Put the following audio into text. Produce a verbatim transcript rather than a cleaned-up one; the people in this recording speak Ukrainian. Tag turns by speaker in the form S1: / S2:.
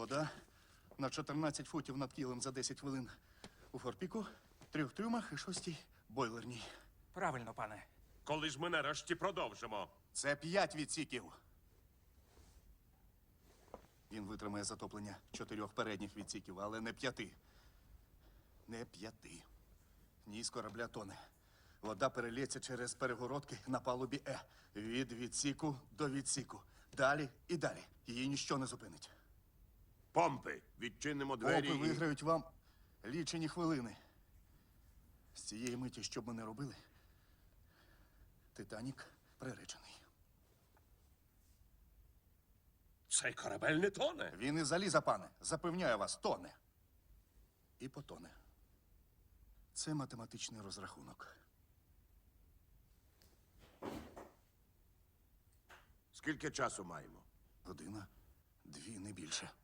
S1: Вода на чотирнадцять футів над кілем за десять хвилин у форпіку, трьох трюмах і шостій бойлерній.
S2: Правильно, пане.
S3: Коли ж ми нарешті продовжимо?
S1: Це п'ять відсіків. Він витримає затоплення чотирьох передніх відсіків, але не п'яти. Не п'яти. Ні з корабля тоне. Вода перелється через перегородки на палубі Е. Від відсіку до відсіку. Далі і далі. Її ніщо не зупинить.
S3: Помпи, відчинимо двері.
S1: Опи
S3: і-
S1: виграють вам лічені хвилини. З цієї миті, що б ми не робили, Титанік приречений.
S3: Цей корабель не тоне.
S1: Він і заліза, пане. Запевняю вас, тоне. І потоне. Це математичний розрахунок.
S3: Скільки часу маємо?
S1: Година, дві, не більше.